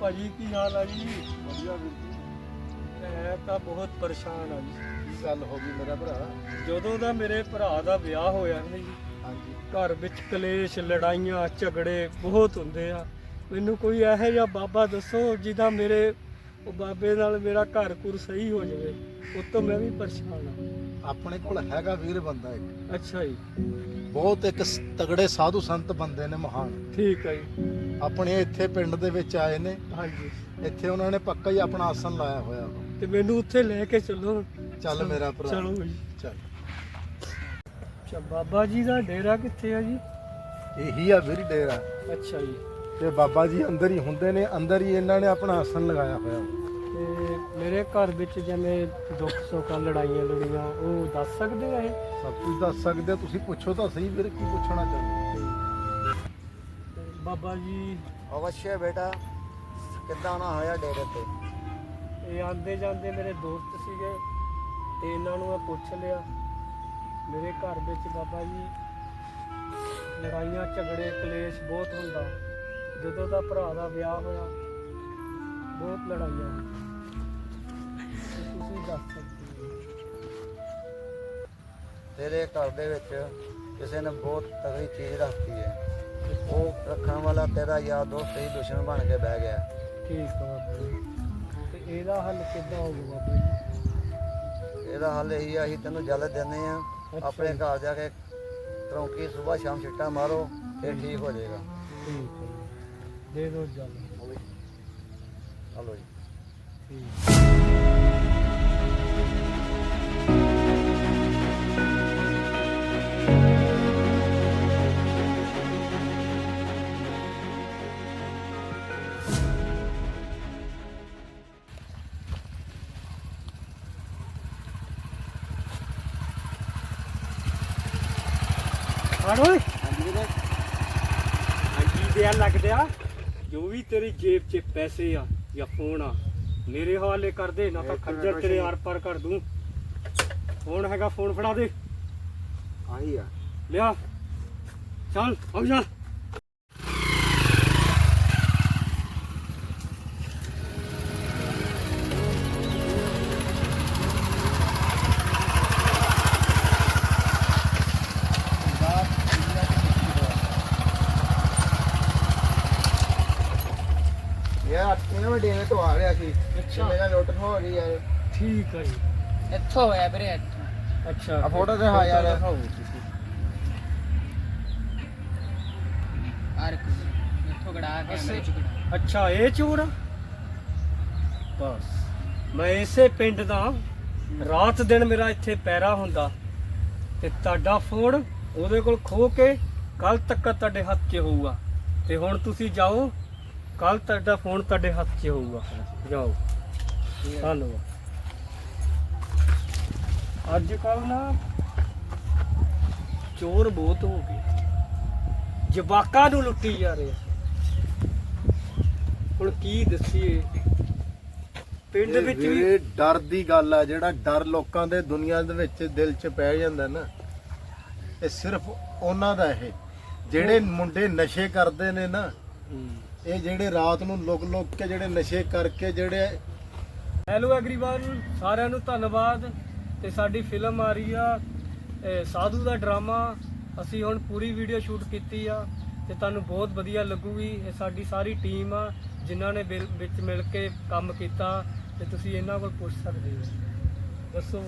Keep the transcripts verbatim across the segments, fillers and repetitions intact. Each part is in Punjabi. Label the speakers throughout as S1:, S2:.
S1: ਭਾਜੀ ਕੀ ਹਾਲ ਆ ਜੀ?
S2: ਵਧੀਆ ਵੀਰ ਜੀ।
S1: ਮੈਂ ਤਾਂ ਬਹੁਤ ਪਰੇਸ਼ਾਨ ਆ ਜੀ।
S2: ਕੀ ਗੱਲ ਹੋ ਗਈ ਮੇਰਾ ਭਰਾ?
S1: ਜਦੋਂ ਦਾ ਮੇਰੇ ਭਰਾ ਦਾ ਵਿਆਹ ਹੋਇਆ ਨਾ ਜੀ,
S2: ਹਾਂਜੀ।
S1: ਘਰ ਵਿੱਚ ਕਲੇਸ਼, ਲੜਾਈਆਂ, ਝਗੜੇ ਬਹੁਤ ਹੁੰਦੇ ਆ। ਮੈਨੂੰ ਕੋਈ ਇਹੋ ਜਿਹਾ ਬਾਬਾ ਦੱਸੋ ਜਿਹਦਾ ਮੇਰੇ ਉਹ ਬਾਬੇ ਨਾਲ ਮੇਰਾ ਘਰ ਘੁਰ ਸਹੀ ਹੋ ਜਾਵੇ। ਉਹ ਤੋਂ ਮੈਂ ਵੀ ਪਰੇਸ਼ਾਨ ਆ।
S2: ਆਪਣੇ ਕੋਲ ਹੈਗਾ ਵੀਰ ਬੰਦਾ ਇੱਕ,
S1: ਅੱਛਾ ਜੀ,
S2: ਬਹੁਤ ਇੱਕ ਸ- ਤਗੜੇ ਸਾਧੂ ਸੰਤ ਬੰਦੇ ਨੇ ਮਹਾਨ।
S1: ਠੀਕ ਹੈ ਜੀ।
S2: ਆਪਣੇ ਇੱਥੇ ਪਿੰਡ ਦੇ ਵਿੱਚ ਆਏ ਨੇ।
S1: ਹਾਂਜੀ,
S2: ਇੱਥੇ ਉਹਨਾਂ ਨੇ ਪੱਕਾ ਹੀ ਆਪਣਾ ਆਸਣ ਲਾਇਆ ਹੋਇਆ ਵਾ।
S1: ਤੇ ਮੈਨੂੰ ਉੱਥੇ ਲੈ ਕੇ ਚੱਲੋ।
S2: ਚੱਲ ਮੇਰਾ ਭਰਾ,
S1: ਚਲੋ ਜੀ।
S2: ਚੱਲ।
S1: ਅੱਛਾ, ਬਾਬਾ ਜੀ ਦਾ ਡੇਰਾ ਕਿੱਥੇ ਆ ਜੀ?
S2: ਇਹੀ ਆ ਵੀਰ ਡੇਰਾ,
S1: ਅੱਛਾ ਜੀ।
S2: ਤੇ ਬਾਬਾ ਜੀ ਅੰਦਰ ਹੀ ਹੁੰਦੇ ਨੇ। ਅੰਦਰ ਹੀ ਇਹਨਾਂ ਨੇ ਆਪਣਾ ਆਸਣ ਲਗਾਇਆ ਹੋਇਆ ਵਾ।
S1: ਤੇ ਮੇਰੇ ਘਰ ਵਿੱਚ ਜਿਵੇਂ ਦੁੱਖ ਸੁੱਖ ਲੜਾਈਆਂ ਲੜੀਆਂ ਉਹ ਦੱਸ ਸਕਦੇ ਆ ਇਹ?
S2: ਸਭ ਕੁਝ ਦੱਸ ਸਕਦੇ ਹੋ। ਤੁਸੀਂ ਪੁੱਛੋ ਤਾਂ ਸਹੀ ਵੀਰ, ਕੀ ਪੁੱਛਣਾ ਚਾਹੁੰਦੇ?
S1: ਤੇ ਬਾਬਾ ਜੀ
S3: ਅਵਸ਼ਯ ਬੇਟਾ, ਕਿੱਦਾਂ ਆਉਣਾ ਹੋਇਆ ਡੇਰੇ ਤੇ?
S1: ਇਹ ਆਂਦੇ ਜਾਂਦੇ ਮੇਰੇ ਦੋਸਤ ਸੀਗੇ ਤੇ ਇਹਨਾਂ ਨੂੰ ਮੈਂ ਪੁੱਛ ਲਿਆ। ਮੇਰੇ ਘਰ ਵਿੱਚ ਬਾਬਾ ਜੀ ਲੜਾਈਆਂ ਝਗੜੇ ਕਲੇਸ਼ ਬਹੁਤ ਹੁੰਦਾ। ਜਦੋਂ ਦਾ ਭਰਾ ਦਾ ਵਿਆਹ ਹੋਇਆ ਬਹੁਤ ਲੜਾਈਆਂ ਹੋਈਆਂ। ਤੇ ਤੁਸੀਂ ਦੱਸ ਸਕਦੇ ਹੋ?
S3: ਤੇਰੇ ਘਰ ਦੇ ਵਿੱਚ ਕਿਸੇ ਨੇ ਬਹੁਤ ਤਗੜੀ ਚੀਜ਼ ਰੱਖਤੀ ਹੈ। ਉਹ ਰੱਖਣ ਵਾਲਾ ਤੇਰਾ ਯਾਰ ਦੋਸਤ ਹੀ ਦੁਸ਼ਮਣ ਬਣ ਕੇ ਬਹਿ ਗਿਆ।
S1: ਠੀਕ ਆ ਬਾਬਾ ਜੀ। ਤੇ ਇਹਦਾ ਹੱਲ ਕਿੱਦਾਂ ਹੋਊਗਾ ਬਾਬਾ ਜੀ?
S3: ਇਹਦਾ ਹੱਲ ਇਹੀ ਆ, ਅਸੀਂ ਤੈਨੂੰ ਜਲ ਦਿੰਦੇ ਆ। ਆਪਣੇ ਘਰ ਜਾ ਕੇ ਤਰੌਂਕੀ ਸਵੇਰ ਸ਼ਾਮ ਛਿੱਟਾ ਮਾਰੋ, ਫਿਰ ਠੀਕ ਹੋ ਜਾਏਗਾ।
S1: ਠੀਕ ਹੈ ਜੀ। ਦੇ ਦਿਓ ਜਲ।
S3: ਹਲੋ ਜੀ।
S1: ਠੀਕ। ਹਾਂ ਓਏ,
S3: ਹਾਂਜੀ ਵੀਰੇ।
S1: ਹਾਂਜੀ ਦਿਆ ਲੱਗਦਿਆ ਜੋ ਵੀ ਤੇਰੀ ਜੇਬ 'ਚ ਪੈਸੇ ਆ ਜਾਂ ਫੋਨ ਆ ਮੇਰੇ ਹਵਾਲੇ ਕਰ ਦੇ, ਨਾ ਤਾਂ ਖੱਜਰ ਤੇਰੇ ਆਰ ਪਾਰ ਕਰ ਦੂੰ। ਫੋਨ ਹੈਗਾ, ਫੋਨ ਫੜਾ ਦੇ।
S3: ਆਹੀ ਆ।
S1: ਲਿਆ ਚੱਲ ਆ ਜਾ।
S3: ਯਾਰ ਇਹਨਾਂ ਮੈਂ ਡੇਰੇ ਤੋਂ ਆ ਰਿਹਾ ਸੀ।
S1: ਅੱਛਾ।
S3: ਮੇਰਾ ਲੁੱਟ ਹੋ ਗਈ ਯਾਰ।
S1: ਠੀਕ ਹੈ ਜੀ।
S4: ਇੱਥੋਂ ਹੋਇਆ ਵੀਰੇ, ਇੱਥੋਂ।
S1: ਅੱਛਾ,
S3: ਆ ਫੋਟੋ ਦਿਖਾ ਯਾਰ।
S1: ਦਿਖਾਓ ਤੁਸੀਂ।
S4: ਆਰ ਇੱਥੋਂ ਗੜਾ ਕੇ ਮੇਰੇ ਚ ਗੜਾ।
S1: ਅੱਛਾ, ਇਹ ਚੋਰ ਆ? ਬਸ ਮੈਂ ਇਸੇ ਪਿੰਡ ਦਾ, ਰਾਤ ਦਿਨ ਮੇਰਾ ਇੱਥੇ ਪੈਰਾ ਹੁੰਦਾ ਤੇ ਤੁਹਾਡਾ ਫੋਨ ਉਹਦੇ ਕੋਲ ਖੋ ਕੇ ਕੱਲ ਤੱਕ ਤੁਹਾਡੇ ਹੱਥ 'ਚ ਹੋਊਗਾ। ਤੇ ਹੁਣ ਤੁਸੀਂ ਜਾਓ, ਕੱਲ ਤੁਹਾਡਾ ਫੋਨ ਤੁਹਾਡੇ ਹੱਥ 'ਚ ਹੋਊਗਾ। ਜਾਓ। ਧੰਨਵਾਦ। ਅੱਜ ਕੱਲ ਨਾ ਚੋਰ ਬਹੁਤ ਹੋ ਗਏ, ਜਵਾਕਾਂ ਨੂੰ ਲੁੱਟੀ ਜਾ ਰਹੇ ਆ। ਹੁਣ ਕੀ ਦੱਸੀਏ, ਪਿੰਡ ਵਿੱਚ ਵੀ
S2: ਵੀਰੇ ਡਰ ਦੀ ਗੱਲ ਆ। ਜਿਹੜਾ ਡਰ ਲੋਕਾਂ ਦੇ ਦੁਨੀਆ ਦੇ ਵਿੱਚ ਦਿਲ 'ਚ ਪੈ ਜਾਂਦਾ ਨਾ, ਇਹ ਸਿਰਫ ਉਹਨਾਂ ਦਾ। ਇਹ ਜਿਹੜੇ ਮੁੰਡੇ ਨਸ਼ੇ ਕਰਦੇ ਨੇ ਨਾ, ਇਹ ਜਿਹੜੇ ਰਾਤ ਨੂੰ ਲੁਕ ਲੁਕ ਕੇ ਜਿਹੜੇ ਨਸ਼ੇ ਕਰਕੇ ਜਿਹੜੇ।
S1: ਹੈਲੋ ਐਵਰੀਵਨ, ਸਾਰਿਆਂ ਨੂੰ ਧੰਨਵਾਦ। ਤੇ ਸਾਡੀ ਫਿਲਮ ਆ ਰਹੀ ਆ ਇਹ ਸਾਧੂ ਦਾ ਡਰਾਮਾ। ਅਸੀਂ ਹੁਣ ਪੂਰੀ ਵੀਡੀਓ ਸ਼ੂਟ ਕੀਤੀ ਆ ਤੇ ਤੁਹਾਨੂੰ ਬਹੁਤ ਵਧੀਆ ਲੱਗੂਗੀ। ਇਹ ਸਾਡੀ ਸਾਰੀ ਟੀਮ ਆ ਜਿਨ੍ਹਾਂ ਨੇ ਬਿਲ- ਵਿੱਚ ਮਿਲ ਕੇ ਕੰਮ ਕੀਤਾ ਤੇ ਤੁਸੀਂ ਇਹਨਾਂ ਕੋਲ ਪੁੱਛ ਸਕਦੇ ਹੋ। ਦੱਸੋ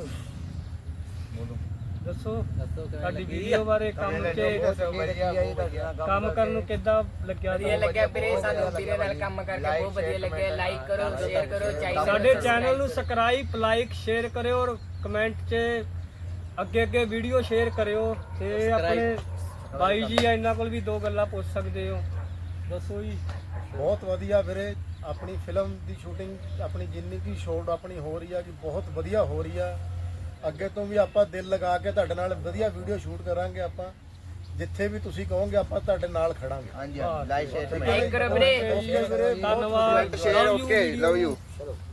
S1: ਦੱਸੋ ਸਾਡੀ ਵੀਡੀਓ ਬਾਰੇ, ਕੰਮ ਕੇ ਕੰਮ ਕਰਨ ਨੂੰ ਕਿੱਦਾਂ ਲੱਗਿਆ?
S4: ਵਧੀਆ ਲੱਗਿਆ ਵੀਰੇ, ਸਾਨੂੰ ਵੀਰੇ ਨਾਲ ਕੰਮ ਕਰਕੇ ਬਹੁਤ ਵਧੀਆ ਲੱਗਿਆ। ਲਾਈਕ ਕਰੋ, ਸ਼ੇਅਰ ਕਰੋ, ਚਾਹੀਦਾ
S1: ਸਾਡੇ ਚੈਨਲ ਨੂੰ ਸਬਸਕ੍ਰਾਈਬ, ਲਾਈਕ, ਸ਼ੇਅਰ ਕਰਿਓ ਔਰ ਕਮੈਂਟ 'ਚ ਅੱਗੇ ਅੱਗੇ ਵੀਡੀਓ ਸ਼ੇਅਰ ਕਰਿਓ। ਤੇ ਆਪਣੇ ਬਾਈ ਜੀ ਆ, ਇਹਨਾਂ ਕੋਲ ਵੀ ਦੋ ਗੱਲਾਂ ਪੁੱਛ ਸਕਦੇ ਹੋ। ਦੱਸੋ ਜੀ।
S2: ਬਹੁਤ ਵਧੀਆ ਵੀਰੇ, ਆਪਣੀ ਫਿਲਮ ਦੀ ਸ਼ੂਟਿੰਗ ਆਪਣੀ ਜਿੰਨੀ ਕੀ ਸ਼ੋਟ ਆਪਣੀ ਹੋ ਰਹੀ ਆ ਕਿ ਬਹੁਤ ਵਧੀਆ ਹੋ ਰਹੀ ਆ। ਅੱਗੇ ਤੋਂ ਵੀ ਆਪਾਂ ਦਿਲ ਲਗਾ ਕੇ ਤੁਹਾਡੇ ਨਾਲ ਵਧੀਆ ਵੀਡੀਓ ਸ਼ੂਟ ਕਰਾਂਗੇ। ਆਪਾਂ ਜਿੱਥੇ ਵੀ ਤੁਸੀਂ ਕਹੋਗੇ ਆਪਾਂ ਤੁਹਾਡੇ ਨਾਲ ਖੜਾਂਗੇ।
S3: ਹਾਂਜੀ, ਲਾਈਕ ਸ਼ੇਅਰ
S4: ਲਾਈਕ ਕਰੋ ਵੀਰੇ।
S1: ਧੰਨਵਾਦ।
S3: Share okay, love you.
S2: ਚਲੋ।